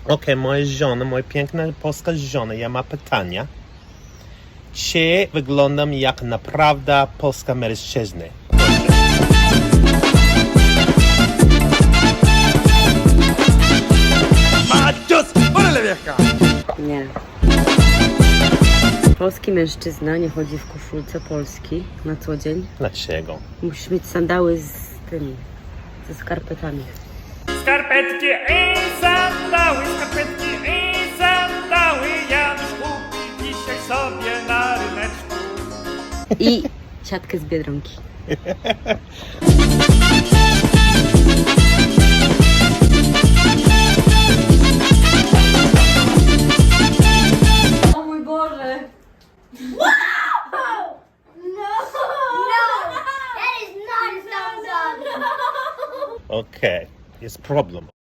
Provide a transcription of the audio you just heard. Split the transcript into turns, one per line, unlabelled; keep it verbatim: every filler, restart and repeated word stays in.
Okej, moja żona, moja piękna polska żona, ja mam pytania. Czy wyglądam jak naprawdę polska mężczyzna?
¡Machos! ¡Órale, vieja!
Nie. Polski mężczyzna nie chodzi w koszulce Polski na co dzień.
Dlaczego?
Musisz mieć sandały z tymi, ze skarpetami.
Skarpetki i sandały, skarpetki i sandały, Janusz kupi dzisiaj sobie na ryneczku.
I siatkę z Biedronki.
O mój Boże!
No! That is not a thumbs up!
Okej, jest problem.